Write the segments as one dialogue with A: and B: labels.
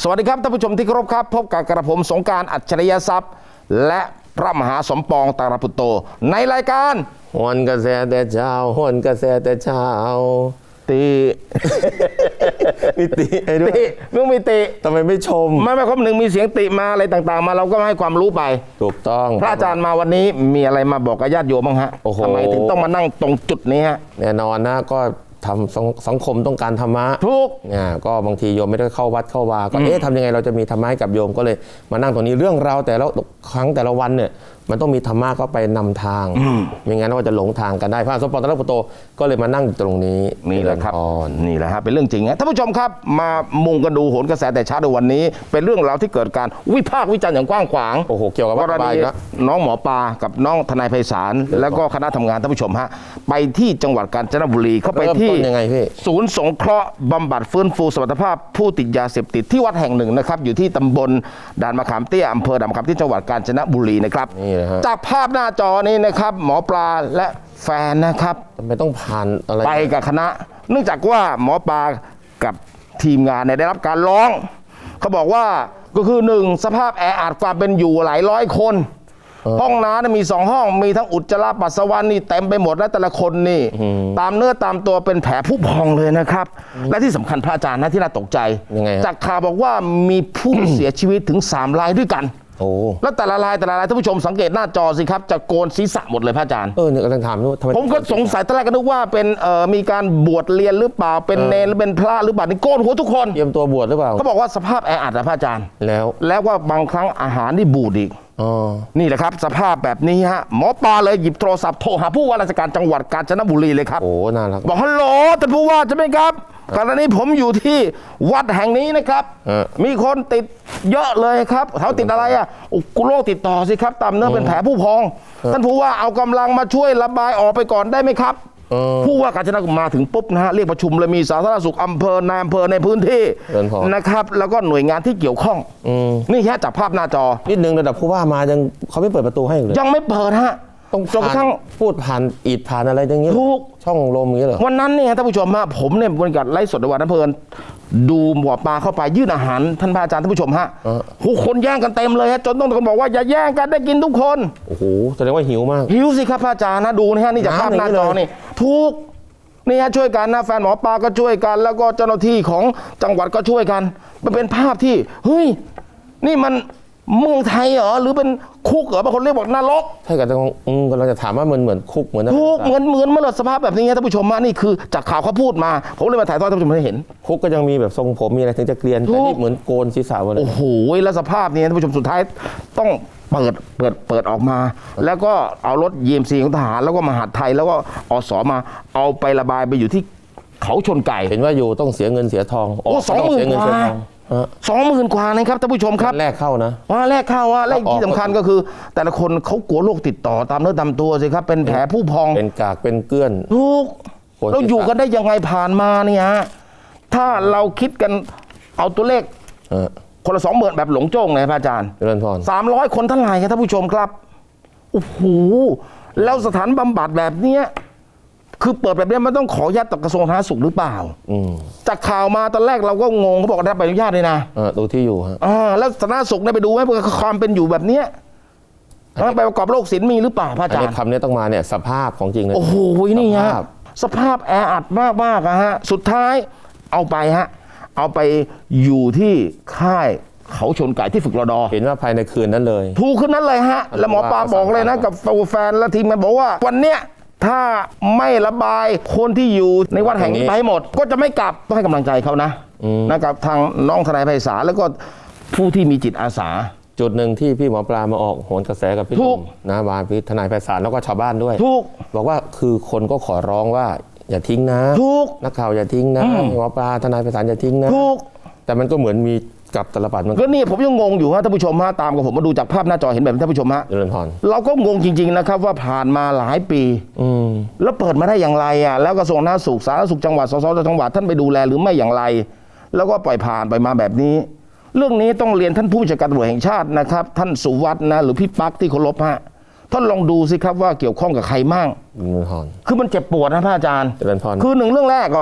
A: สวัสดีครับท่านผู้ชมที่เคารพครับพบกับกระผมสงกรานต์อัจฉริยทรัพย์และพระมหาสมปองตาลปุตโตในรายการ
B: หวนกระแสแต่เช้าหวนกระแสแต่เช้า
A: ตี
B: มีติไอ้ด้วย
A: มึงมีติ
B: ทำไมไม่ชม
A: ไม่ครบหนึ่งมีเสียงติมาอะไรต่างๆมาเราก็ให้ความรู้ไป
B: ถูกต้อง
A: พระอาจารย์มาวันนี้มีอะไรมาบอกกับญาติโยมบ้างฮะทำไมถึงต้องมานั่งตรงจุดนี้ฮะ
B: แน่นอนนะก็ทำสังคมต้องการธรรมะ
A: ทุก
B: ก็บางทีโยมไม่ได้เข้าวัดเข้าวาก็ทำยังไงเราจะมีธรรมะให้กับโยมก็เลยมานั่งตรงนี้เรื่องราวแต่ละครั้งแต่ละวันเนี่ยมันต้องมีธรรมะก็ไปนำทางไม่งั้นเราจะหลงทางกันได้พระสมปองตาลปุตโตก็เลยมานั่งตรงนี้
A: นี่แหละครับนี่แหละฮะเป็นเรื่องจริงฮะท่านผู้ชมครับมามุงกันดูโหนกระแสแต่เช้าในวันนี้เป็นเรื่องราวที่เกิดการวิพากษ์วิจารณ์อย่างกว้างขวาง
B: โอ้โหเกี่ยวกับ
A: กรณีน้องหมอปลากับน้องทนายไพศาลแล้วก็คณะทำงานท่านผู้ชมฮะไปที่จังหวัดกาญจนบุรีเข้าไปที่ศูนย์สงเคราะห์บำบัดฟื้นฟูสมรรถภาพผู้ติดยาเสพติดที่วัดแห่งหนึ่งนะครับอยู่ที่ตำบลด่านมะขามเตี้ยอำเภอด่านมะขามที่จังหวัดกาญจนบุรีนะครับจากภาพหน้าจอนี้นะครับหมอปลาและแฟนนะครับ
B: ไม่ต้องผ่านอะไร
A: ไปกับคณะเนื่องจากว่าหมอปลากับทีมงานเนี่ยได้รับการร้องเขาบอกว่าก็คือ1สภาพแออัดความเป็นอยู่หลายร้อยคนห้องน้ำมี2ห้องมีทั้งอุจจาระปัสสาวะนี่เต็มไปหมดและแต่ละคนนี่ตามเนื้อตามตัวเป็นแผลผุพองเลยนะครับและที่สำคัญพระอาจารย์นะที่น่าตกใจจากข่าวบอกว่ามีผู้เสียชีวิตถึง3 รายด้วยกันแล้วแต่ละรายท่านผู้ชมสังเกตหน้าจอสิครับจะโกนศีรษะหมดเลยพระอาจารย์
B: เนี่ยกำลังถามด้วย
A: ผมก็สงสัยตอนแรกก็นึกว่าเป็นมีการบวชเรียนหรือเปล่าเป็นเนรหรือเป็นพระหรือเปล่านี่โกนหัวทุกคน
B: เตรียมตัวบวชหรือเปล่า
A: เขาบอกว่าสภาพแออัดนะพระอาจารย์แล้วว่าบางครั้งอาหารนี่บูดอีกนี่แหละครับสภาพแบบนี้ฮะหมอปลาเลยหยิบโทรศัพท์โทรหาผู้ว่าราชการจังหวัดกาญจนบุรีเลยครับ
B: น่ารัก
A: บอกฮัลโหลท่านผู้ว่าใช่ไหมครับขณะนี้ผมอยู่ที่วัดแห่งนี้นะครับมีคนติดเยอะเลยครับเขาติดอะไรอ่ะโรคติดต่อสิครับตามเนื้อเป็นแผลผู้พองท่านผู้ว่าเอากำลังมาช่วยระบายออกไปก่อนได้ไหมครับผู้ว่ากาญจนบุรีมาถึงปุ๊บนะฮะเรียกประชุมเลยมีสาธารณสุขอำเภอนายอำเภอในพื้นที่นะครับแล้วก็หน่วยงานที่เกี่ยวข้องนี่แค่จากภาพหน้าจอ
B: นิดนึงระดับผู้ว่ามายังเขาไม่เปิดประตูให้เลย
A: ยังไม่เปิดฮะ
B: ต้องจนกระทั่งพูดผ่านอิฐผ่านอะไรอย่างเงี้ย
A: ทุก
B: ช่องลมอย่างเงี้ยเหรอ
A: วันนั้นเนี่ยท่านผู้ชมฮะผมเนี่ยบรรยากาศไลฟ์สดในวันนั้นเพลินดูหมอปลาเข้าไปยื่นอาหารท่านพระอาจารย์ท่านผู้ชมฮะคนแย่งกันเต็มเลยฮะจนต้องบอกว่าอย่าแย่งกันได้กินทุกคน
B: โอ้โหแสดงว่าหิวมาก
A: หิวสิครับพระอาจารย์นะดูนะฮะนี่จากภาพหน้าจอนี่ทุกนี่ฮะช่วยกันนะแฟนหมอปลาก็ช่วยกันแล้วก็เจ้าหน้าที่ของจังหวัดก็ช่วยกันมันเป็นภาพที่เฮ้ยนี่มันเมืองไทยเหรอหรือเป็นคุกเหรอบางคนเรียกบอกนรก
B: ใช่กันกำลังจะถามว่าเหมือนคุกเหมือน
A: คุกเหมือนเมื่อสภาพแบบนี้ท่านผู้ชมมานี่คือจากข่าวเขาพูดมาผมเลยมาถ่ายทอดท่านผู้ชมให้เห็น
B: คุกก็ยังมีแบบทรงผมมีอะไรถึงจะเกลียนแต่นี่เหมือนโกนศีรษะเลย
A: โอ้โหแล้วสภาพนี้ท่านผู้ชมสุดท้ายต้องเปิดออกมาแล้วก็เอารถ EMC ของทหารแล้วก็มหาดไทยแล้วก็อสมาเอาไประบายไปอยู่ที่เขาชนไก่
B: เห็นว่าอยู่ต้องเสียเงินเสียทอง
A: 20,000 กว่า20,000 กว่านะครับท่านผู้ชมครับ
B: แรกเข้านะ
A: แรกเข้าว่าแรกที่สำคัญก็คือแต่ละคนเขากลัวโรคติดต่อตามเนื้อตามตัวสิครับเป็นแผลผู้พอง
B: เป็นกากเป็นเกลื่อน
A: ทุกเราอยู่กันได้ยังไงผ่านมาเนี่ยถ้าเราคิดกันเอาตัวเลขคนละ20,000แบบหลงโจ้งเลยพระอาจารย์300 คนเท่าไหร่ครับท่านผู้ชมครับโอ้โหแล้วสถานบำบัดแบบเนี้ยคือเปิดแบบนี้มันต้องขออนุญาตจากกระทรวงสาธารณสุขหรือเปล่าจากข่าวมาตอนแรกเราก็งงเขาบอกได้ใบอนุญาตเลยนะ
B: ดูที่อยู่ฮะ
A: แล้วสาธารณสุขได้ไปดูไหมความเป็นอยู่แบบเนี้ยไปประกอบโรคศิลป์มีหรือเปล่าพระอาจารย์
B: คำนี้ต้องมาเนี่ยสภาพของจริงเลย
A: โอ้โหนี่ฮะสภาพแออัดมากๆฮะสุดท้ายเอาไปอยู่ที่ค่ายเขาชนไก่ที่ฝึกรด.
B: เห็นว่าภายในคืนนั้นเลย
A: ถูกคืนนั้นเลยฮะแล้วหมอปลาบอกเลยนะกับแฟนและทีมมันบอกว่าวันเนี้ยถ้าไม่ระบายคนที่อยู่ในวัดแห่งนี้ไปหมดก็จะไม่กลับต้องให้กำลังใจเขานะกับทางน้องทนายไพศาลแล้วก็ผู้ที่มีจิตอาสา
B: จุดหนึ่งที่พี่หมอปลามาออกโหนกระแสกับพี่ตุ้มนะบาพี่ทนายไพศาลแล้วก็ชาวบ้านด้วยบอกว่าคือคนก็ขอร้องว่าอย่าทิ้งนะนักข่าวอย่าทิ้งนะหมอปลาทนายไพศาลอย่าทิ้งนะแต่มันก็เหมือนมีกับตลปัดมัน
A: ก็นี่ผมยังงงอยู่ฮะท่านผู้ชมฮะตามกับผมมาดูจากภาพหน้าจอเห็นแบบท่านผู้ชมฮะเราก็งงจริงๆนะครับว่าผ่านมาหลายปีแล้วเปิดมาได้อย่างไรอ่ะแล้วกระทรวงสาธารณสุขจังหวัดสสจังหวัดท่านไปดูแลหรือไม่อย่างไรแล้วก็ปล่อยผ่านไปมาแบบนี้เรื่องนี้ต้องเรียนท่านผู้บัญชาการตำรวจแห่งชาตินะครับท่านสุวัฒน์นะหรือพี่ปั๊กที่เคารพฮะท่านลองดูสิครับว่าเกี่ยวข้องกับใครมั่งคือมันเจ็บปวดนะพระอาจารย์คือหนึ่งเรื่องแรกก่อน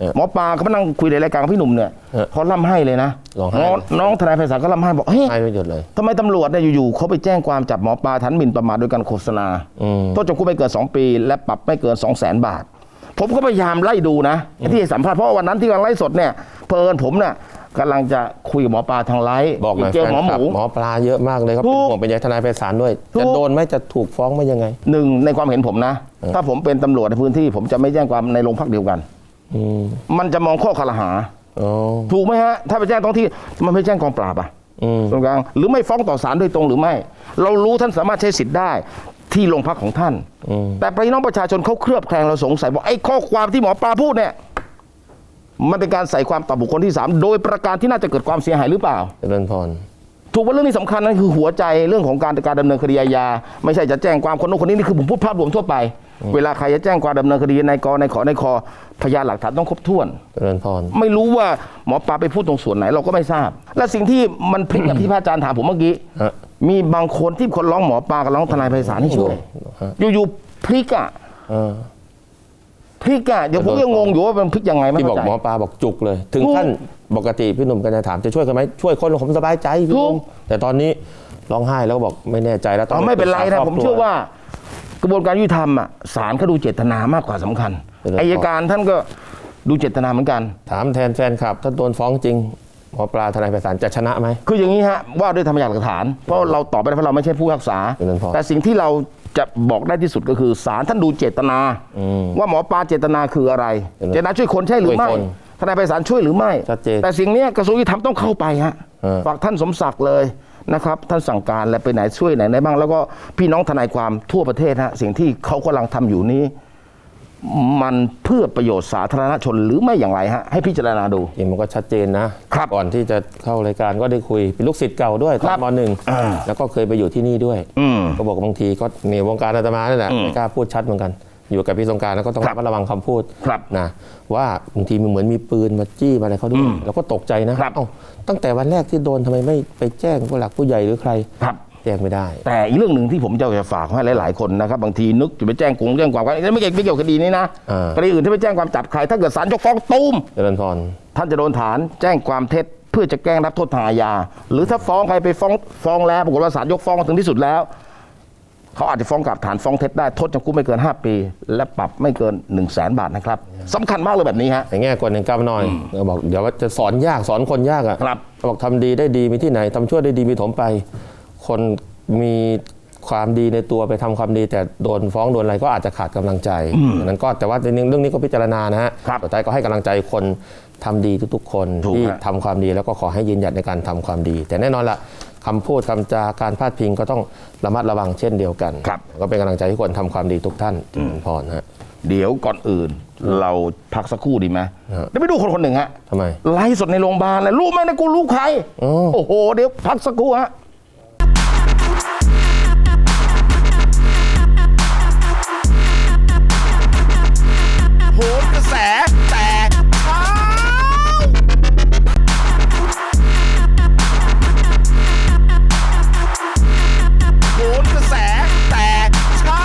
A: หมอปลาเขามานั่งคุยในรายการกับพี่หนุ่มเนี่ยเขาล่ำให้เลยนะ
B: ร้องไห้
A: น้องทนายไพศาลก็ล่ำให้บอกเฮ้ย
B: ให้ไม่หยุดเลย
A: ทำไมตำรวจเนี่ยอยู่ๆเขาไปแจ้งความจับหมอปลาฐานหมิ่นประมาทโดยการโฆษณาโทษจำคุกไม่เกิน2 ปีและปรับไม่เกิน 200,000 บาทผมก็พยายามไล่ดูนะที่ให้สัมภาษณ์เพราะว่าวันนั้นที่กำลังไล่สดเนี่ยเพลินผมเนี่ยกำลังจะคุยกับหมอปลาทางไลฟ์
B: บอกหน่อย
A: เจอหมอหมู
B: หมอปลาเยอะมากเลยครับ
A: ถู
B: เป็น
A: ก
B: ห่วงเป็นใยทนายไพศาลด้วย
A: ถูก
B: จะโดนไหมจะถูกฟ้องไหมยังไง
A: หนึ่งในความเห็นผมนะ ถ้าผมเป็นตำรวจในพื้นที่ ผมจะไม่แจ้งความในโรงพักเดียวกัน มันจะมองข้อคลหา
B: อ๋อ
A: ถูกไหมฮะ ถ้าไปแจ้งท้องที่มันไม่แจ้งกองปราบอ่ะตรงกลางหรือไม่ฟ้องต่อศาลโดยตรงหรือไม่ เรารู้ท่านสามารถใช้สิทธิ์ได้ที่โรงพักของท่าน แต่พี่น้องประชาชนเขาเคลือบแคลงเราสงสัยบอกไอ้ข้อความที่หมอปลาพูดเนี่ยมันเป็นการใส่ความต่อบุคคลที่ 3 โดยประการที่น่าจะเกิดความเสียหายหรือเปล่า
B: เจริญพร
A: ถูกว่าเรื่องนี้สำคัญนั่นคือหัวใจเรื่องของการดำเนินคดีอาญาไม่ใช่จะแจ้งความคนโน้นคนนี้นี่คือผมพูดภาพรวมทั่วไป เวลาใครจะแจ้งความดำเนินคดีในกในขอพยานหลักฐานต้องครบถ้วน
B: เจริญพร
A: ไม่รู้ว่าหมอปลาไปพูดตรงส่วนไหนเราก็ไม่ทราบ และสิ่งที่มันพลิกกับที่พระอาจารย์ถามผมเมื่อกี้
B: ฮะ
A: มีบางคนที่คนร้องหมอปลากับร้องทนายไพศาลให้ช่วย
B: ฮะ
A: อยู่ๆพลิกอะ
B: เออ
A: พลิกอะเดี๋ยวผมยังงงอยู่ว่ามันพลิกยังไงไม่
B: ที่บอ
A: เข้าก ใจ
B: หมอปลาบอกจุกเลย ถึง
A: ถูก
B: ขั้นปกติพี่หนุ่มก็จะถามจะช่วยกันไหมช่วยคนผมสบายใจพี่หนุ่
A: ถู
B: ม
A: ก
B: แต่ตอนนี้ร้องไห้แล้วก็บอกไม่แน่ใจแล้ว
A: ไม่เป็นไร
B: ป
A: นะ
B: ษาค
A: ผ
B: บ
A: ม
B: ครั
A: เชื่อว่ากระบวนการยุติธรรมอะศาลเขาดูเจตนามากกว่าสำคัญ
B: เป็นเรื่อง
A: อัยการท่านก็ดูเจตนาเหมือนกัน
B: ถามแทนแฟนคลับ ถ้าโดนฟ้องจริงหมอปลาทนายไพศาลจะชนะไหม
A: คืออย่างนี้ฮะว่าด้วยธรรมพยานหลักฐาน เพราะเราตอบไม่ได้เพราะเราไม่ใช่ผู้พิพากษา
B: เป็นเรื่องพอ
A: แต่สิ่งที่เราจะบอกได้ที่สุดก็คือศาลท่านดูเจตนา ว่าหมอปลาเจตนาคืออะไร
B: เป็นเรื่อง
A: เจตนาช่วยคนใช่หรือไม่
B: ช่วยคน
A: ทนายไพศาลช่วยหรือไม่
B: ชัดเจน
A: แต่สิ่งเนี้ยกระทรวงยุติธรรมต้องเข้าไปฮะ
B: เ
A: ฝากท่านสมศักดิ์เลยนะครับท่านสั่งการและไปไหนช่วยไหนบ้าง แล้วก็พี่น้องทนายความทั่วประเทศฮะสิ่งที่เขากำลังทำอยู่นี้ มันเพื่อประโยชน์สาธารณชนหรือไม่อย่างไรฮะให้พิจารณาดู
B: จริงมันก็ชัดเจนนะครับ ก่อนที่จะเข้ารายการก็ได้คุยเป็นลูกศิษย์เก่าด้วยต
A: ค
B: อ
A: รั
B: น
A: บ
B: มหนึ่ง
A: อ่า
B: แล้วก็เคยไปอยู่ที่นี่ด้วย ก็บอกบางทีก็ในวงการอาตมานี่แหละไม่กล้าพูดชัดเหมือนกัน อยู่กับพี่สงกรานต์แล้วก็ต้อง
A: ครับ
B: ระมัดระวังคำพูด
A: ครับ
B: นะว่าบางทีมันเหมือนมีปืนมาจี้มาอะไรเขาด้วยแล้วก็ตกใจนะครับ เอ้าตั้งแต่วันแรกที่โดนทำไมไม่ไปแจ้งผู้หลักผู้ใหญ่หรือใคร
A: ครับ
B: แจ้งไม่ได้
A: แต่อีกเรื่องหนึ่งที่ผมจะฝากให้หลาย ๆ คนนะครับบางทีนึกจะไปแจ้งความกันไม่เกี่ยวกับคดีนี้นะ
B: อ่า
A: คดีอื่นที่ไปแจ้งความจับใครถ้าเกิดศาลยกฟ้องตูม
B: เจริญพร
A: ท่านจะโดนฐานแจ้งความเท็จเพื่อจะแกล้งรับโทษทางอาญาหรือถ้าฟ้องใครไปฟ้องแล้วปรากฏว่าศาลยกฟ้องถึงที่สุดแล้วเขาอาจจะฟ้องกลับฐานฟ้องเท็จได้โทษจำคุกไม่เกิน 5 ปี และปรับไม่เกิน 100,000 บาทนะครับสำคัญมากเลยแบบนี้ฮะ
B: แต่แง่กว่าหนึ่งก้าวหน่อยเราบอกเดี๋ยวว่าจะสอนยากสอนคนยากอ่ะ
A: ครับ
B: เขาบอกทำดีได้ดีมีที่ไหนทำชั่วได้ดีมีถมไป คนมีความดีในตัวไปทำความดี แต่โดนฟ้องโดนอะไรก็อาจจะขาดกำลังใจดังนั้นก็แต่ว่าในเรื่องนี้ก็พิจารณานะฮะ
A: ครับ
B: สุดท้ายก็ให้กำลังใจคนทำดีทุกๆ คน
A: ถูก
B: ที่
A: ฮะ
B: ทำความดีแล้วก็ขอให้ยืนหยัดในการทำความดี แต่แน่นอนละคำพูดคำจาการพาดพิงก็ต้องระมัดระวังเช่นเดียวกัน
A: ครับ
B: ก็เป็นกำลังใจให้คนทำความดีทุกท่านเจริญพรฮะ
A: เดี๋ยวก่อนอื่นเราพักสักครู่ดีไหม
B: ฮะ
A: เดี๋ยวไปดูคนหนึ่งฮะ
B: ทำไม
A: ไลฟ์สดในโรงพยาบาลเลยรู้ไหมนะกูรู้ใคร
B: อ๋อ
A: โอ้โหเดี๋ยวพักสักครู่ฮะ โหนกระแสแต่เช้าโหนกระแสแต่เช้า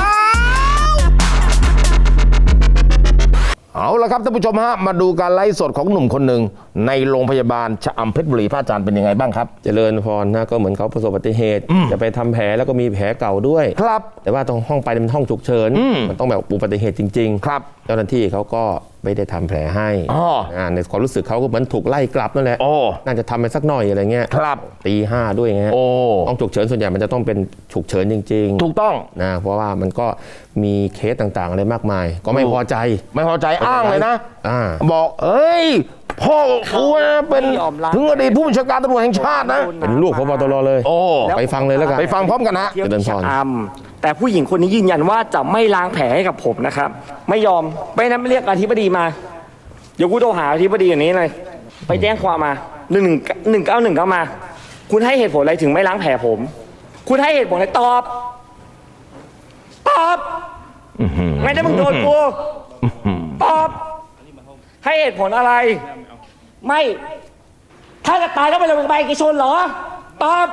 A: เอาละครับท่านผู้ชมฮะมาดูการไลฟ์สดของหนุ่มคนหนึ่งในโรงพยาบาลชะอำเพชรบุรีพระอาจารย์เป็นยังไงบ้างครับ
B: เจริญพรนะก็เหมือนเขาประสบอุบัติเหตุ จะไปทำแผลแล้วก็มีแผลเก่าด้วย
A: ครับ
B: แต่ว่าตรงห้องไปเป็นห้องฉุกเฉินมันต้องแบบอุบัติเหตุจริงๆ
A: ครับ
B: เจ้าหน้าที่เขาก็ไม่ได้ทำแผลให้
A: อ๋อ
B: ในความรู้สึกเขาก็เหมือนถูกไล่กลับนั่นแหละ
A: โอ้
B: น่าจะทำไปสักหน่อยอะไรเงี้ย
A: ครับ
B: ตีห้าด้วยไง
A: โอ้
B: ห้องฉุกเฉินส่วนใหญ่มันจะต้องเป็นฉุกเฉินจริง
A: ถูกต้อง
B: ๆนะเพราะว่ามันก็มีเคสต่างๆอะไรมากมาย ก็ไม่พอใจ
A: ไม่พอใจอ้างเลยนะ
B: อ่า
A: บอกเอ้ย พ่อกูนะเป็น
C: ไม่ยอมรับ
A: ถึงอดีตผู้บัญชาการตำรวจแห่งชาตินะ
B: เป็นลูกพบตรเลย
A: โอ้
B: ไปฟังเลยแล้วกัน
A: ไปฟังพร้อมกันนะ
C: เที่ยว
B: เจริญ
C: ที่
B: พร
C: ชะอำแต่ผู้หญิงคนนี้ยืนยันว่าจะไม่ล้างแผลให้กับผมนะครับ ไม่ยอมไม่นั้นไม่เรียกอธิบดีมา เดี๋ยวกูโทรหาอธิบดีอย่างนี้เลย ไปแจ้งความมา191ก็มา คุณให้เหตุผลอะไรถึงไม่ล้างแผลผม คุณให้เหตุผลอะไรตอบ ตอบไม่ได้มึงโดนกูตอบ ให้เหตุผลอะไร ไม่ ถ้าจะตายก็ไปโรงพยาบาลเอกชนเหรอ ตอบ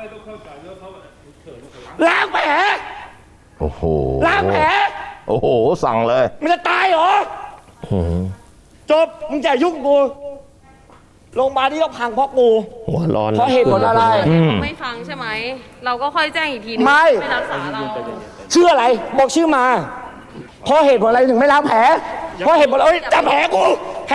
C: ล้างแผล
A: โอ้โห
C: ล้างแผล
A: โอ้โห สั่งเลย
C: มันจะตายเหรอจบมึงอย่ายุ่งกูโรงพยาบาลที่ต้องพังเพราะกู
B: หัวร้อน
C: เพราะเหตุผลอะไร
D: ไม่ฟังใช่ไหม เราก็ค่อยแจ้งอีกทีนึง
C: ไม่
D: รักษาเรา
C: ชื่ออะไรบอกชื่อมาเพราะเหตุผลอะไรถึงไม่ล้างแผลเพราะเหตุผลอะไรจับแผลกู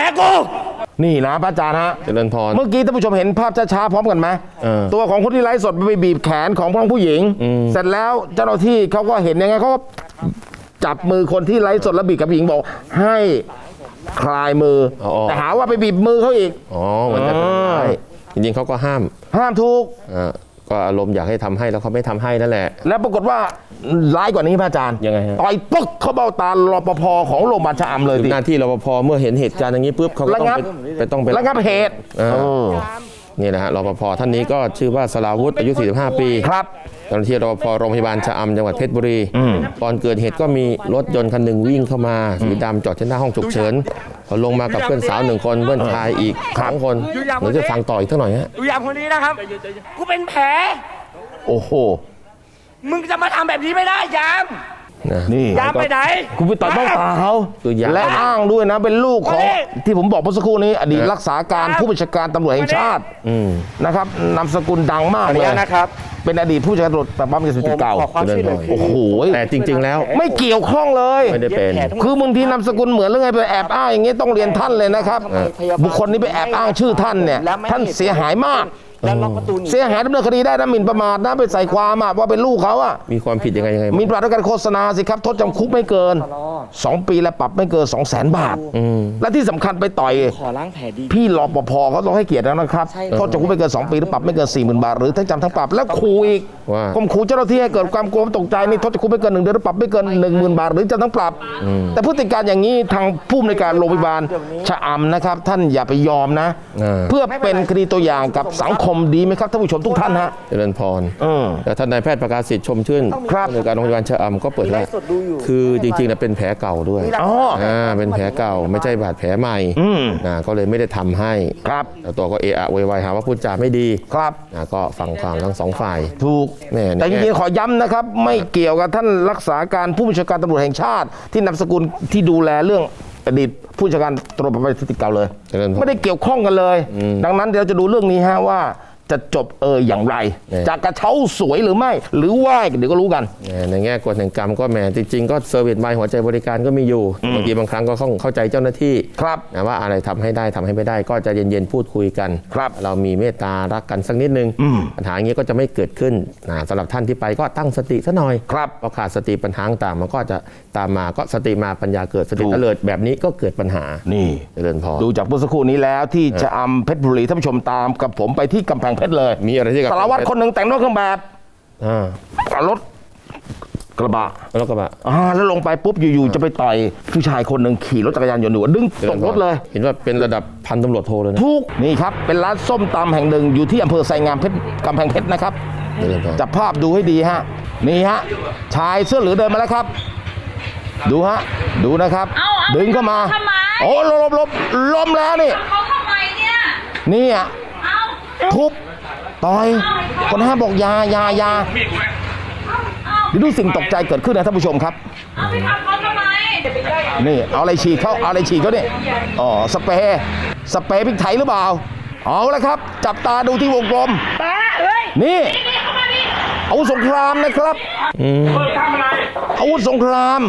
A: นี่นะพระอาจารย์ฮะ
B: เจริญพร
A: เมื่อกี้ท่านผู้ชมเห็นภาพช้าๆพร้อมกันไหม
B: เ
A: ตัวของคนที่ไลฟ์สดไปบีบแขนของผู้หญิง เสร็จแล้วเจ้าหน้าที่เขาก็เห็นยังไงเขาก็จับมือคนที่ไลฟ์สดแล้วบีบกับผู้หญิงบอกให้คลายมืออ
B: อ
A: แต่หาว่าไปบีบมือเขาอีก
B: อ๋อเหมือนจะทำร้ายจริงๆเขาก็ห้าม
A: ห้ามทุก
B: ก็อารมณ์อยากให้ทำให้แล้วเขาไม่ทำให้นั่นแหละ
A: แล้วปรากฏว่าร้ายกว่านี้พระอาจารย์
B: ยังไงฮะ
A: ต่อยปึ๊กเข้าเบ้าตารปภของโรงพยาบาลชะอำเลยดิ
B: หน้าที่รปภเมื่อเห็นเหตุการณ์อย่างนี้ปุ๊บเขาก็ต้อง
A: ระงับ
B: ไปต้องไประ
A: งับเหตุ
B: นี่นะฮะรปภท่านนี้ก็ชื่อว่าสราวุธอายุ 45 ปี
A: ครับ
B: เจ้าหน้าที่รปภโรงพยาบาลชะอำจังหวัดเพชรบุรีก่อนเกิดเหตุก็มีรถยนต์คันหนึ่งวิ่งเข้ามาสีดำจอดที่หน้าห้องฉุกเฉินพอลงมากับเพื่อนสาว1 คนเพื่อนชายอีก2 คนเดี๋ยวจะฟังต่ออีกสักหน่อยฮะ
C: ดูอย่างคนนี้นะครับกูเป็นแผล
A: โอ้โห
C: มึงจะมาทำแบบนี้ไม่ได้ยาม
B: นะ
A: นี่
C: ยามไปไหน
A: คุณไปต่อยเบ้าตาเขา
B: คือยาม
A: และอ้างด้วยนะเป็นลูกของ
C: มาดิ
A: ที่ผมบอกเมื่อสักครู่นี้ อดีตรักษาการผู้บัญชาการตำรวจแห่งชาติ นะครับนามสกุลดังมาก
C: ขออนุ
A: เลย
C: ญาตนะครับ
A: เป็นอดีตผู้บัญชาการตำรวจปราบปรามยาเสพติดเก่า
C: ขอความช่วยเหลือ
A: โอ้โห
B: แต่จริง ๆ แล้ว
A: ไม่เกี่ยวข้องเลย
B: ไม่ได้เป็น
A: คือบางทีนามสกุลเหมือนหรือไงไปแอบอ้างอย่างงี้ต้องเรียนท่านเลยนะครับ บุคคลนี้ไปแอบอ้างชื่อท่านเนี่ยท่านเสียหายมาก
C: แล้วล็อกประตูหนี
A: เสียหายดำเนินคดีได้นะหมิ่นประมาทนะไปใส่ความอะว่าเป็นลูกเขาอะ
B: มีความผิดยังไง
A: หมิ่นประมาทด้วยการโฆษณาสิครับโทษจำคุกไม่เกิน 2 ปีและปรับไม่เกิน 200,000 บาท และที่สำคัญไปต่อย
C: ขอล้างแผลดี
A: พี่รปภเขาต้องให้เกียรติแล้วนะครับ
C: ใช่
A: โทษจำคุกไม่เกิน 2 ปีหรือปรับไม่เกิน 40,000 บาทหรือทั้งจำทั้งปรับแล้วขู่อีก
B: ว่า
A: ข่มขู่เจ้าหน้าที่ให้เกิดความกลัวตกใจนี่โทษจำคุกไม่เกิน1 เดือนหรือปรับไม่เกิน 10,000 บาทหรือจำทั้งปรับ แต่พฤติการอย่างนี้ทางผู้อำนวยการโรงพยาบาลชะอำนะครับท่านอย่าไปยอมนะ เพื่อเป็นคดีตัวอย่างกับสังคมดีไหมครับท่านผู้ชมทุกท่านฮะ
B: เจริญพรแต่ท่านนายแพทย์ประกาศสิทธิ์ชมชื่น
A: ครับ
B: ผู้อำนวยการโรงพยาบาลชะอำก็เปิดแล้วคือจริงๆนะเป็นแผลเก่าด้วย
A: อ๋อ
B: เป็นแผลเก่าไม่ใช่บาดแผลใหม่ก็เลยไม่ได้ทำให้
A: ครับ
B: แต่ตัวก็เอะอะโวยวายหาว่าพูดจาไม่ดี
A: ครับ
B: ก็ฟังความทั้งสองฝ่าย
A: ถูก
B: แม่
A: แต่จริงๆขอย้ำนะครับ ไม่เกี่ยวกับท่านรักษาการผู้บัญชาการตำรวจแห่งชาติ ที่นามสกุลที่ดูแลเรื่องอดีตผู้บัญชาการตำรวจปราบปรามยาเสพติดเก่าเลย
B: เจริญพร
A: ไม่ได้เกี่ยวข้องกันเลย ดังนั้นเดี๋ยวจะดูเรื่องนี้ฮะว่าจะจบอย่างไร
B: เนี่ย
A: จะกระเช้าสวยหรือไม่ หรือว่าเดี๋ยวก็รู้กัน
B: ในแง่กฎแห่งกรรมก็แหมจริงๆก็เซอร์วิสไมล์หัวใจบริการก็มีอยู่บางทีบางครั้งก็ต้องเข้าใจเจ้าหน้าที่
A: ครับ
B: นะว่าอะไรทำให้ได้ทำให้ไม่ได้ก็จะเย็นๆพูดคุยกัน
A: ครับ
B: เรามีเมตตารักกันสักนิดนึงปัญหาอย่างนี้ก็จะไม่เกิดขึ้นสำหรับท่านที่ไปก็ตั้งสติซะหน่อย
A: ครับ
B: เพราะขาดสติปัญหาต่างๆมันก็จะตามมาก็สติมาปัญญาเกิดสติ
A: ถูก
B: เตลิดแบบนี้ก็เกิดปัญหา
A: นี่
B: เจริญพร
A: ดูจากเมื่อสักครู่นี้แล้วที่จะอำเพชรบุรีท่านผู้ชมตามกับผมไปที่กำแพงเพชรเลย
B: มีอะไรที่กับ
A: สารวัตรคนหนึ่งแต่งรถเครื่องแบบ
B: อ่าร
A: ถกระบะ
B: แล้วก็แบบ
A: แล้วลงไปปุ๊บอยู่ๆจะไปต่อยผู้ชายคนหนึ่งขี่รถจักรยานยนต์อยู่ดึงตกรถเลย
B: เห็นว่าเป็นระดับพันตำรวจโทเลยนะ
A: ทุกนี่ครับ เป็นร้านส้มตำแห่งหนึ่งอยู่ที่อำเภอไซงามเพชรกำแพงเพชรนะครับ
B: เจริญพร
A: จับภาพดูให้ดีฮะนี่ฮะชายเสื้อเหลืองเดินมาแล้วครับ ดูฮะดูนะครับ
D: เอา
A: ดึงเข้ามา
D: ทำไม
A: โอ้ล้มแล้วนี่
D: เขาทำไมเนี่ย
A: นี่อ่ะ
D: เอา
A: ทุบต่อยคนห้ามบอกอยาเดี๋ยวดูสิ่งตกใจเกิดขึ้นนะท่านผู้ชมครับ
D: เอาไปทำเขาทำไม
A: นี่เอาอะไรฉีดเขาเนี่ยอ๋อสเปรย์พริกไทยหรือเปล่าเอาละครับ จับตาดูที่วงกลมนี่อาวุธสงครามนะครับอาวุธสงคราม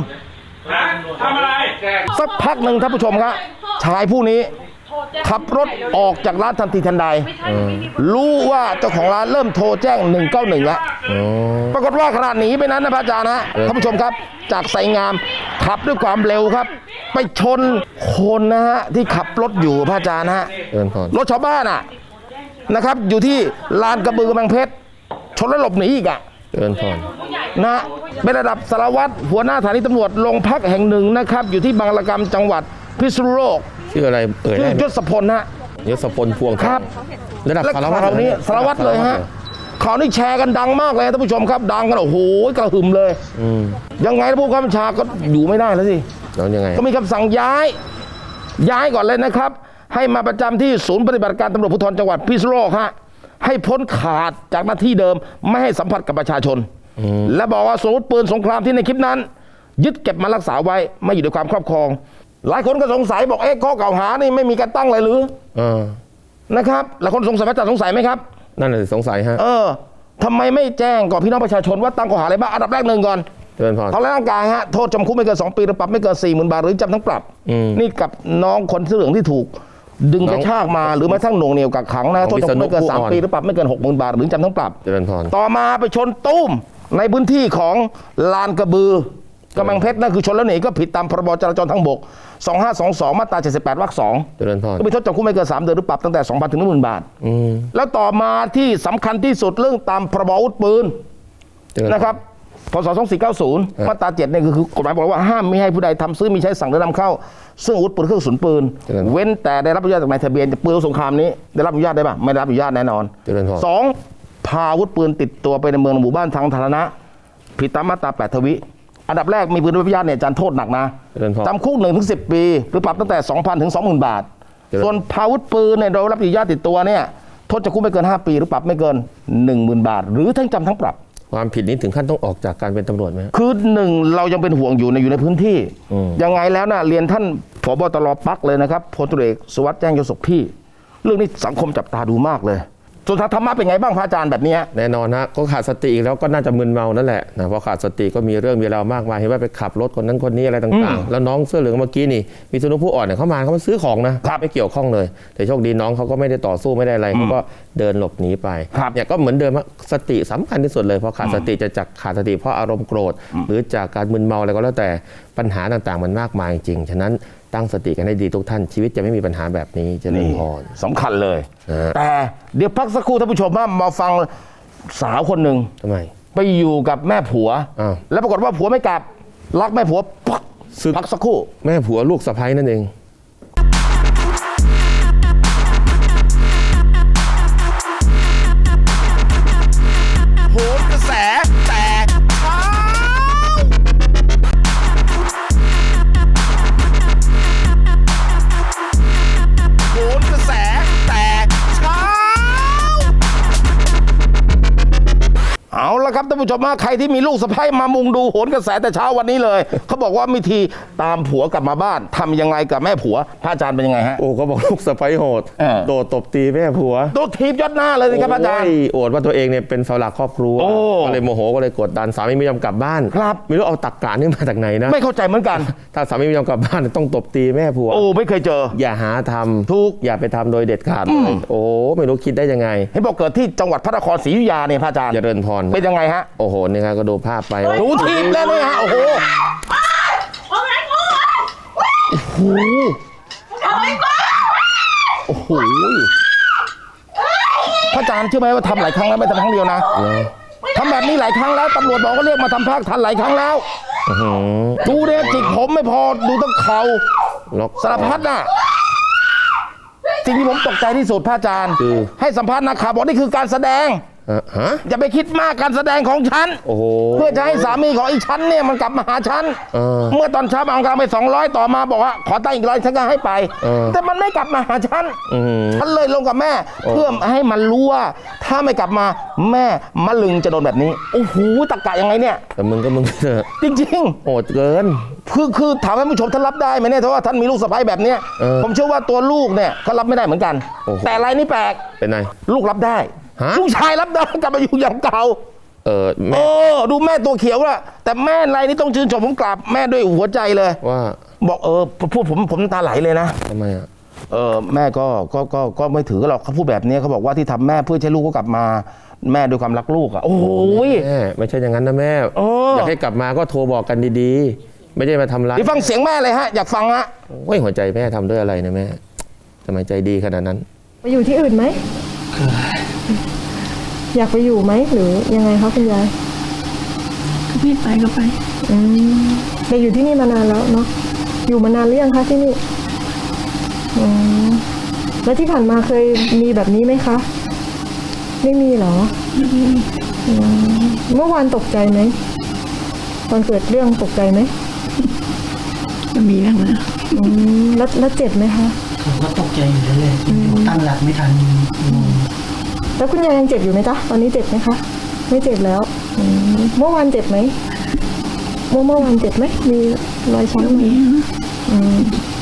A: สักพักหนึ่งท่านผู้ชมครับชายผู้นี้ขับรถออกจากร้านทันทีทันใดรู้ว่าเจ้าของร้านเริ่มโทรแจ้ง191แล้วปรากฏว่าขนาดหนีไปนั้นนะพระอาจารย์นะท่านผู้ชมครับ จากไซงามขับด้วยความเร็วครับ ไปชนคนนะฮะที่ขับรถอยู่พระอาจารย์นะฮะ
B: เจริญพร
A: รถชาวบ้านอ่ะนะครับ อยู่ที่ลานกระบือกำแพงเพชรชนแล้วหลบหนีอีกอ่ะ
B: เจริญพร
A: นะฮะเป็นระดับสารวัตรหัวหน้าสถานีตำรวจโรงพักแห่งหนึ่งนะครับ อยู่ที่บางระกำจังหวัดพิษณุโลก
B: ชื่ออะไรเอ่ย
A: ชื่
B: ได้
A: อ
B: ไหม
A: ยศพลนะ
B: ยศพลพวง
A: ครับ
B: ระดับ
A: และ
B: สารวัตร
A: ข่าวนี้สารวัตรเลยฮะข่าวนี้แชร์กันดังมากเลยท่านผู้ชมครับ ดังกันโอ้โหกระหึ่มเลย ยังไงผู้ข้าราชการก็อยู่ไม่ได้แล้วสิ
B: แล้วยังไง
A: ก็มีคำสั่งย้ายก่อนเลยนะครับ ให้มาประจำที่ศูนย์ปฏิบัติการตำรวจภูธรจังหวัดพิษณุโลกฮะให้พ้นขาดจากหน้าที่เดิมไม่ให้สัมผัสกับประชาชน และบอกว่าสมมติปืนสงครามที่ในคลิปนั้น ยึดเก็บมารักษาไว้ไม่อยู่ในความครอบครองหลายคนก็สงสัยบอกข้อกล่าวหานี่ไม่มีการตั้งเลยหรือ นะครับหลายคนสงสัยว่าจะสงสัยไหมครับ
B: นั่นแหละสงสัยฮะ
A: ทำไมไม่แจ้งก่อนพี่น้องประชาชนว่าตั้งข้อหาอะไรบ้างอันดับแรกหนึ่งก่อน
B: เจริญพร
A: ทำร้ายร่างกายฮะโทษจำคุกไม่เกิน2 ปีหรือปรับไม่เกิน 40,000 บาทหรือจำทั้งปรับนี่กับน้องคนเสื้อเหลืองที่ถูกดึงกระชากมาหรือแม้กระทั่งหน่วงเหนี่ยวกักขังนะโทษจำคุกไม่เกิน3 ปีหรือปรับไม่เกิน 60,000 บาทหรือจำทั้งปรับ
B: เจริญพร
A: ต่อมาไปชนตุ้มในพื้นที่ของลานกระบือกำแพงเพชรนั่นคือชนแล้วหนีก็ผิดตามพรบจราจรทางบก 2522 มาตรา 78 วรรค 2
B: เจริญพร
A: ก็มีโทษจำคุกไม่เกิน3 เดือนหรือปรับตั้งแต่ 2,000 ถึง 10,000 บาทแล้วต่อมาที่สำคัญที่สุดเรื่องตามพรบอาวุธปืน
B: เจริญพ
A: นะครับพศ 2490 มาตรา 7 เนี่ยคือกฎหมายบอกว่าห้ามไม่ให้ผู้ใดทำซื้อมีใช้สั่งหรือนำเข้าซึ่งอาวุธปืนเครื่องกระสุนปืน เว้นแต่ได้รับอนุญาตจากนายทะเบียนปืนสงครามนี้ได้รับอนุญาตได้ป่ะไม่ได้รับอนุญาตแน่นอน
B: เจริญพร
A: สองพาอาวุธปืนติดตัวไปในเมืองหมู่บ้านทางสาธารณะผิดตามมาตรา 8 ทวิอันดับแรกมีปืนไม่ได้รับอนุญาตเนี่ยอาจารย์โทษหนักนะ
B: เจริญพร
A: จำคุก 1-10 ปีหรือปรับตั้งแต่ 2,000 ถึง 20,000 บาท
B: เจริญ
A: ส่วนพาอาวุธปืนเนี่ยโดยรับอนุญาตติดตัวเนี่ยโทษจำคุกไม่เกิน 5 ปีหรือปรับไม่เกิน 10,000 บาท หรือทั้งจำทั้งปรับ
B: ความผิดนี้ถึงขั้นต้องออกจากการเป็นตำรวจไหมฮะ
A: คือหนึ่งเรายังเป็นห่วงอยู่ในพื้นที่ ยังไงแล้วนะเรียนท่านผบตรปักเลยนะครับพลตรีเอกสุวัสดิ์แจ้งยศพี่ เรื่องนี้สังคมจับตาดูมากเลยส่วนทางธรรมะเป็นไงบ้างพระอาจารย์แบบเนี้ย
B: แน่นอนฮะก็ขาดสติอีกแล้วก็น่าจะมึนเมานั่นแหละนะเพราะขาดสติก็มีเรื่องมีราวมากมายเห็นว่าไปขับรถคนนั้นคนนี้อะไรต่างๆ แล้วน้องเสื้อเหลืองเมื่อกี้นี่มีสนุผู้อ่อนเนี่ยเขามาซื้อของนะไม่เกี่ยวข้องเลย แต่โชคดีน้องเขาก็ไม่ได้ต่อสู้ไม่ได้อะไรเขาก็เดินหลบหนีไปเนี่ยก็เหมือนเดิมสติสำคัญที่สุดเลยเพราะขาดสติจะจากขาดสติเพราะอารมณ์โกรธหรือจากการมึนเมาอะไรก็แล้วแต่ปัญหาต่างๆมันมากมายจริงฉะนั้นตั้งสติกันให้ดีทุกท่านชีวิตจะไม่มีปัญหาแบบนี้เจริญพร
A: สำคัญเลย แต่เดี๋ยวพักสักครู่ท่านผู้ชมมาฟังสาวคนหนึ่ง
B: ทำไม
A: ไปอยู่กับแม่ผัว
B: อ้าว
A: แล้วปรากฏว่าผัวไม่กลับรักแม่ผัวปัก
B: สึก
A: พักสักครู่
B: แม่ผัวลูกสะใภ้นั่นเอง
A: โหนกระแสแต่เช้าโหนกระแสแต่เช้าเอาละครับท่านผู้ชมใครที่มีลูกสะใภ้มามุงดูโหนกระแสแต่เช้าวันนี้เลยเขาบอกว่าวิธีตามผัวกลับมาบ้านทำยังไงกับแม่ผัวพระอาจารย์เป็นยังไงฮะ
B: โอ้ก็บอกลูกสะใภ้โหด โดดตบตีแม่ผัว
A: ตัวทีบยอดหน้าเลยสิครับอาจารย์
B: โอดว่าตัวเองเนี่ยเป็นเสาหลักครอบครัว
A: โอ้
B: ก็เลยโมโหก็เลยกดดันสามีไม่ยอมกลับบ้าน
A: ครับ
B: ไม่รู้เอาตักกะนี่มาจากไหนนะ
A: ไม่เข้าใจเหมือนกัน
B: ถ้าสามีไม่ยอมกลับบ้านต้องตบตีแม่ผัว
A: โอ้ไม่เคยเจอ
B: อย่าหาทำ
A: ถูก
B: อย่าไปทำโดยเด็ดขาดเลยโอ้ไม่รู้คิดได้ยังไง
A: เห็นบอกเกิดที่จังหวัดพระนครศรีอยุธยาเนี่ยพระอาจารย์
B: เจริญพร
A: เป็นยังไงฮะ
B: โอ้โหนี่ครับก็ดูภาพไป
A: หนูทีบแล้วเนี่ยฮะโอ้โห
D: เอาไงกู
A: โอ้โหพระอาจารย์เชื่อไหมว่าทำหลายครั้งแล้วไม่ทำครั้งเดียวนะทำแบบนี้หลายครั้งแล้วตำรวจบอกก็เรียกมาทำภาคทันหลายครั้งแล้วดูเนี่ยจิกผมไม่พอดูต้องเข่า
B: ล็อก
A: สารพัดน่ะสิ่งที่ผมตกใจที่สุดพระอาจารย์
B: คือ
A: ให้สัมภาษณ์นักข่าวบอกนี่คือการแสดง
B: ฮะ
A: อย่าไปคิดมากการแสดงของฉัน
B: โอ้โห
A: เพื่อจะให้สามีของไอ้ฉันเนี่ยมันกลับมาหาฉัน เมื่อตอนเช้าเอากลางไป200ต่อมาบอกว่าขอตั้งอีก100ฉันก็ให้ไป แต่มันไม่กลับมาหาฉันฉันเลยลงกับแม่ เพื่อให้มันรู้ว่าถ้าไม่กลับมาแม่มะลึงจะโดนแบบนี้โอ้โหตะกะยังไงเนี่ย
B: แต่มึงก็มึงเถอะ
A: จริง
B: โหดเกิน
A: ๆคือถามให้ผู้ชมท่านรับได้ไหมเนี่ยเพราะว่าท่านมีลูกสะใภ้แบบเนี้ย ผมเชื่อว่าตัวลูกเนี่ยเขารับไม่ได้เหมือนกัน
B: โอ้โห
A: แต่รายนี้แปลก
B: เป็นไง
A: ลูกรับได้
B: ฮะ
A: ลูกชายรับได้กลับมาอยู่อย่างเก่า
B: แม่
A: โอ้ดูแม่ตัวเขียวละแต่แม่รายนี้ต้องชื่นชมผมกราบแม่ด้วยหัวใจเลย
B: ว่า
A: บอกพูดผมน้ำตาไหลเลยนะ
B: ทำไมอ่ะ
A: แม่ก็ไม่ถือหรอกเขาพูดแบบนี้เขาบอกว่าที่ทำแม่เพื่อให้ลูกก็กลับมาแม่ด้วยความรักลูกอ่ะโอ้ย
B: แม่ไม่ใช่อย่างนั้นนะแม่ อยากให้กลับมาก็โทรบอกกันดีๆ ไม่ได้มาทำร้าย
A: เดี๋ยวฟังเสียงแม่เลยฮะอยากฟังฮะ
B: โอ้ยหัวใจแม่ทำด้วยอะไรนะแม่ทำไมใจดีขนาดนั้น
E: ไปอยู่ที่อื่นไหม อยากไปอยู่ไหมหรือยังไงคะคุณยาย
F: พี่ไปก็ไป
E: ไปอยู่ที่นี่มานานแล้วเนาะอยู่มานานหรือยังคะที่นี่แล้วที่ผ่านมาเคยมีแบบนี้ไหมคะ ไม่มีเหรอเมื่อวานตกใจไหมตอนเกิดเรื่องตกใจไหม
F: ก็มีบ้างนะ
E: แล้วเจ็บไหมคะ
G: ผมก็ตกใจอยู่เลยผมตั้งหลักไม่ทัน
E: แล้วคุณยายยังเจ็บอยู่ไหมจ๊ะตอนนี้เจ็บไหมคะไม่เจ็บแล้วเมื่อวานเจ็บไหมเมื่อวานเจ็บไหมมีรอยช้ำไหม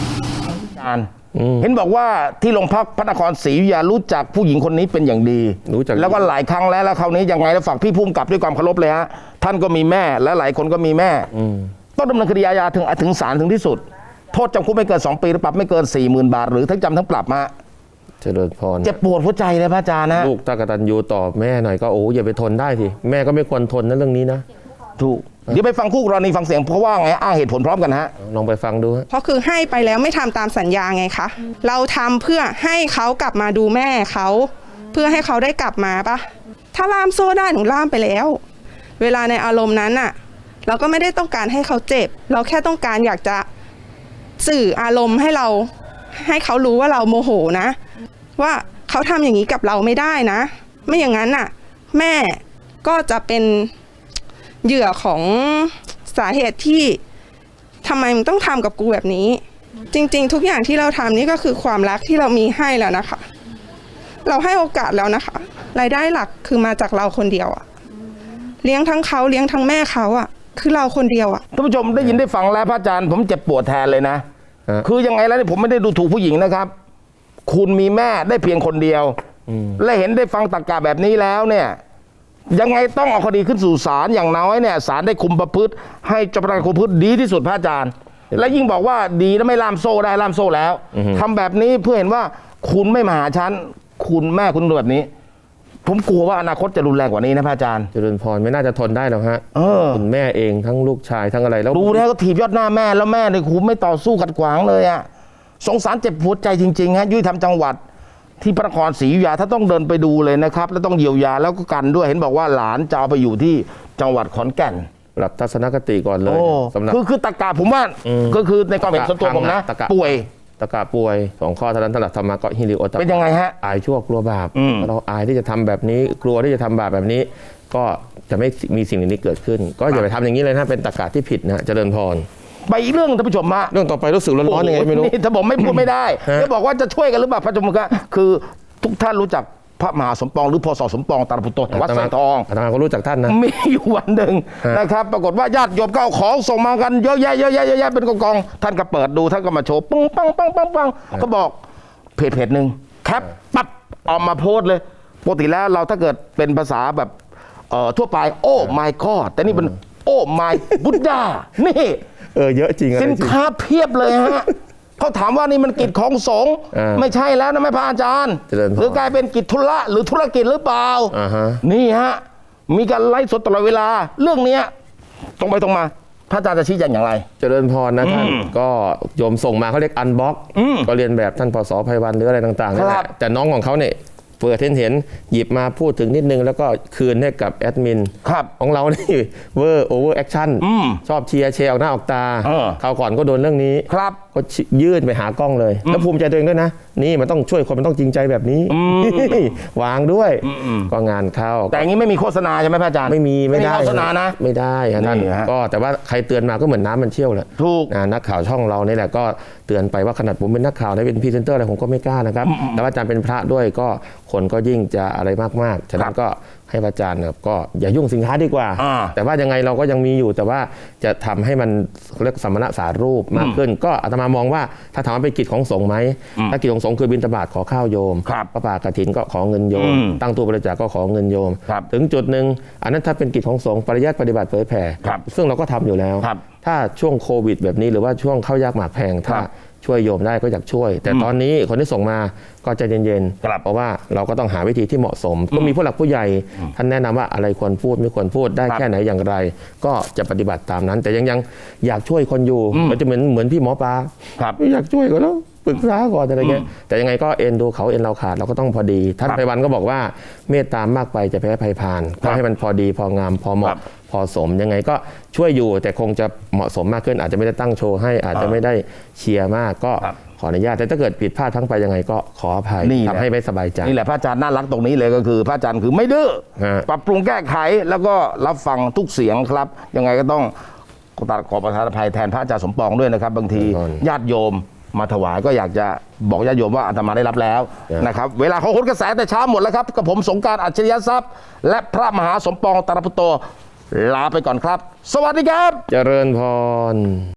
A: เห็นบอกว่าที่โรงพักพระนครศรีอยุธยารู้จักผู้หญิงคนนี้เป็นอย่างดี
B: รู้จัก
A: แล้วก็หลายครั้งแล้วคราวนี้ยังไงแล้วฝากพี่ภูมิกับด้วยความเคารพเลยฮะท่านก็มีแม่และหลายคนก็มีแม่ต้องดำเนินคดีอาญาถึงศาลถึงที่สุด โทษจำคุกไม่เกิน2 ปีหรือปรับไม่เกิน 40,000 บาทหรือทั้งจำทั้งปรับมา
B: เจริญพร
A: เจ็บปวดหัวใจเลยพระอาจารย์นะ
B: ลูกตากตัญญูต่อแม่หน่อยก็โอ้อย่าไปทนได้สิแม่ก็ไม่ควรทนนะเรื่องนี้นะ
A: ถูกเดี๋ยวไปฟังคู่กรณีฟังเสียงเพราะว่าไงอ้างเหตุผลพร้อมกันฮะ
B: ลองไปฟังดูฮะ
H: เพราะคือให้ไปแล้วไม่ทำตามสัญญาไงคะ เราทำเพื่อให้เขากลับมาดูแม่เขาเพื่อให้เขาได้กลับมาปะถ้าล่ามโซ่ได้หนูล่ามไปแล้ว เวลาในอารมณ์นั้นอะเราก็ไม่ได้ต้องการให้เขาเจ็บ เราแค่ต้องการอยากจะสื่ออารมณ์ให้เขารู้ว่าเราโมโหนะ ว่าเขาทำอย่างนี้กับเราไม่ได้นะ ไม่อย่างนั้นน่ะ แม่ก็จะเป็นเหยื่อของสาเหตุที่ทำไมมึงต้องทำกับกูแบบนี้ จริงๆ ทุกอย่างที่เราทำนี่ก็คือความรักที่เรามีให้แล้วนะคะ เราให้โอกาสแล้วนะคะ รายได้หลักคือมาจากเราคนเดียวอะเลี้ยงทั้งเขาเลี้ยงทั้งแม่เขาอะคือเราคนเดียวอะ
A: ท่านผู้ชมได้ยินได้ฟังแล้วพระอาจารย์ผมเจ็บปวดแทนเลยนะ คือยังไงแล้วเนี่ยผมไม่ได้ดูถูกผู้หญิงนะครับ คุณมีแม่ได้เพียงคนเดียวและเห็นได้ฟังตรรกะแบบนี้แล้วเนี่ยยังไงต้องเอาคดีขึ้นสู่ศาลอย่างน้อยเนี่ยศาลได้คุมประพฤติให้เจ้าพนักงานคุมประพฤติดีที่สุดพระอาจารย์ และยิ่งบอกว่าดีแล้วไม่ล่ามโซ่ได้ล่ามโซ่แล้วทำแบบนี้เพื่อเห็นว่าคุณไม่มาหาฉันคุณแม่คุณดูแบบนี้ ผมกลัวว่าอนาคตจะรุนแรงกว่านี้นะพระอาจารย์
B: เจริญพรไม่น่าจะทนได้หรอกฮะคุณแม่เองทั้งลูกชายทั้งอะไรแล้ว
A: ดูแล้วก็ถีบยอดหน้าแม่แล้วแม่เนี่ยคุณไม่ต่อสู้ขัดขวางเลยอะสงสารเจ็บปวดใจจริงๆฮะยุติธรรมจังหวัดที่พระนครศรีอยุธยาถ้าต้องเดินไปดูเลยนะครับแล้วต้องเยียวยาแล้วก็กันด้วยเห็นบอกว่าหลานจะเอาไปอยู่ที่จังหวัดขอนแก่น
B: ปรับทัศนคติก่อนเลย
A: โอ้
B: สำหรับ
A: คือตะกาผมว่าก็คือในความเห็นส่วนตัวผมนะ
B: ตะกะ
A: ป่วย
B: ตะกะป่วย2 ข้อเท่านั้นสำหรับธรรมะก็ฮิริโอตปะ
A: เป็นยังไงฮะ
B: อายชั่วกลัวบาปเราอายที่จะทำแบบนี้กลัวที่จะทำบาปแบบนี้ ก็จะไม่มีสิ่งนี้เกิดขึ้น ก็อย่าไปทำอย่างนี้เลยนะเป็นตะกะที่ผิดนะเจริญพร
A: ไปอีกเรื่องท่านผู้ชมฮะ
B: เรื่องต่อไปรู้สึกร้อนๆยังไงไม่รู้
A: นี่ถ้าผมไม่พูดไม่ได้
B: ฮะ
A: จะบอกว่าจะช่วยกันหรือเปล่าพระจมุกะคือทุกท่านรู้จักพระมหาสมปองหรือพศสมปองตาลปุตโตแห่งวัดสร้อยทอง
B: อาตมาก็รู้จักท่านนะ
A: มีอยู่วันหนึ่ง
B: ฮะ
A: นะครับ ปรากฏว่าญาติโยมก็เอาของส่งมากันเยอะแยะเป็นกองๆท่านก็เปิดดูท่านก็มาโชว์ปังก็บอกเพจหนึ่งแคปปั๊บออกมาโพสต์เลยปกติแล้วเราถ้าเกิดเป็นภาษาแบบทั่วไปโอ้ my god แต่นี่เป็นโอ้ my buddha นี่
B: เยอะจริงอะไร
A: สิน
B: จริง
A: ค้าเพียบเลยฮะ เขาถามว่านี่มันกิจของสงฆ์ ไม่ใช่แล้วนะแม่พระอาจารย์
B: เจริญพร
A: หรือกลายเป็นกิจธุระหรือธุรกิจหรือเปล่า
B: ฮะ
A: นี่ฮะ มีการไลฟ์สดตลอดเวลา เรื่องเนี้ยตรงไปตรงมา พระอาจารย์จะชี้แจงอย่างไร
B: เจริญพรนะท่านก็โยมส่งมาเขาเรียกอันบ็อกก็เรียนแบบท่านพศไพวันหรืออะไรต่างๆนั่นแห
A: ครั
B: ละ
A: บ
B: แต่น้องของเขาเนี่ยเปิดเห็นหยิบมาพูดถึงนิดนึงแล้วก็คืนให้กับแอดมิน
A: ครับ
B: ของเรานี่เวอร์โอเวอร์แอคชั่นชอบเชียร์แชร์ออกหน้าออกตา คราวก่อนก็โดนเรื่องนี้
A: ครับ
B: ก็ยื่นไปหากล้องเลย แล้วภูมิใจตัวเองด้วยนะ นี่มันต้องช่วยคนมันต้องจริงใจแบบนี้ วางด้วยก็งานเข้า
A: แต่อย่างนี้ไม่มีโฆษณาใช่ไหมพระอาจารย์
B: ไม่ได้
A: โฆษณานะ
B: ไม่ได้ครับท่าน
A: นี่ฮะ
B: ก็แต่ว่าใครเตือนมาก็เหมือนน้ำมันเชี่ยวแหละ
A: ถูก
B: นักข่าวช่องเรานี่แหละก็เตือนไปว่าขนาดผมเป็นนักข่าวได้เป็นพรีเซนเตอร์อะไรผมก็ไม่กล้านะครับแต่ว่าอาจารย์เป็นพระด้วยก็คนก็ยิ่งจะอะไรมากๆฉะนั้นก็ให้พระอาจารย์เนี่ยก็อย่ายุ่งสินค้าดีกว่า แต่ว่ายังไงเราก็ยังมีอยู่แต่ว่าจะทำให้มันเรียกสมณะสารูปมากขึ้น ก็อาตมามองว่าถ้าถามว่าเป็นกิจของสงฆ์ไหมถ้ากิจของสงฆ์คือบิณฑบาตขอข้าวโยม
A: ครับ
B: พระป่ากฐินก็ขอเงินโยม ตั้งตู้บริจาคก็ขอเงินโยม
A: ครับ
B: ถึงจุดหนึ่งอันนั้นถ้าเป็นกิจของสงฆ์ปริยัติปฏิบัติเผยแผ่
A: ครับ
B: ซึ่งเราก็ทำอยู่แล้ว
A: ครับ
B: ถ้าช่วงโควิดแบบนี้หรือว่าช่วงเข้ายากหมากแพงถ้า
A: ครับ
B: ช่วยโยมได้ก็อยากช่วย แต่ตอนนี้คนที่ส่งมาก็ใจเย็น
A: ครับ
B: ๆเพราะว่าเราก็ต้องหาวิธีที่เหมาะสม ก็มีผู้หลักผู้ใหญ่ท่านแนะนำว่าอะไรควรพูดไม่ควรพูดได้
A: ครับ
B: แค่ไหนอย่างไร ก็จะปฏิบัติตามนั้น แต่ยังอยากช่วยคนอยู่มันจะเหมือนพี่หมอปลา
A: ครับ
B: ไม่อยากช่วยก็แล้วปรึกษาก่อนอะไรเงี้ยแต่ยังไงก็เอ็นดูเขาเอ็นเราขาดเราก็ต้องพอดีท่าน
A: ครับ
B: ไพวันก็บอกว่าเมตตามากไปจะแพ้ภัยพานก็ให้มันพอดีพองามพอเห
A: ครั
B: มาะ
A: บ
B: พอสมยังไงก็ช่วยอยู่แต่คงจะเหมาะสมมากขึ้น อาจจะไม่ได้ตั้งโชว์ให้อาจจะไม่ได้เชียร์มากก็
A: ครับ
B: ขออนุญาตแต่ถ้าเกิดผิดพลาดทั้งไปยังไงก็ขออภัย
A: นี่แหละ
B: ทำให้ไม่สบายใจ
A: นี่แหละพระอาจารย์น่ารักตรงนี้เลยก็คือ พระอาจารย์คือไม่ดื้อ
B: ฮะ
A: ปรับปรุงแก้ไขแล้วก็รับฟังทุกเสียงครับ ยังไงก็ต้องขอประทานอภัยแทนพระอาจารย์สมปองด้วยนะครับ บางทีญาติโยมมาถวายก็อยากจะบอกญาติโยมว่าอาตมาได้รับแล้วนะครับเวลาเขาโหนกระแสแต่เช้าหมดแล้วครับกับผมสงกรานต์อัจฉริยทรัพย์ และพระมหาสมปองตาลปุตโตลาไปก่อนครับ สวัสดีครับ
B: เจริญพร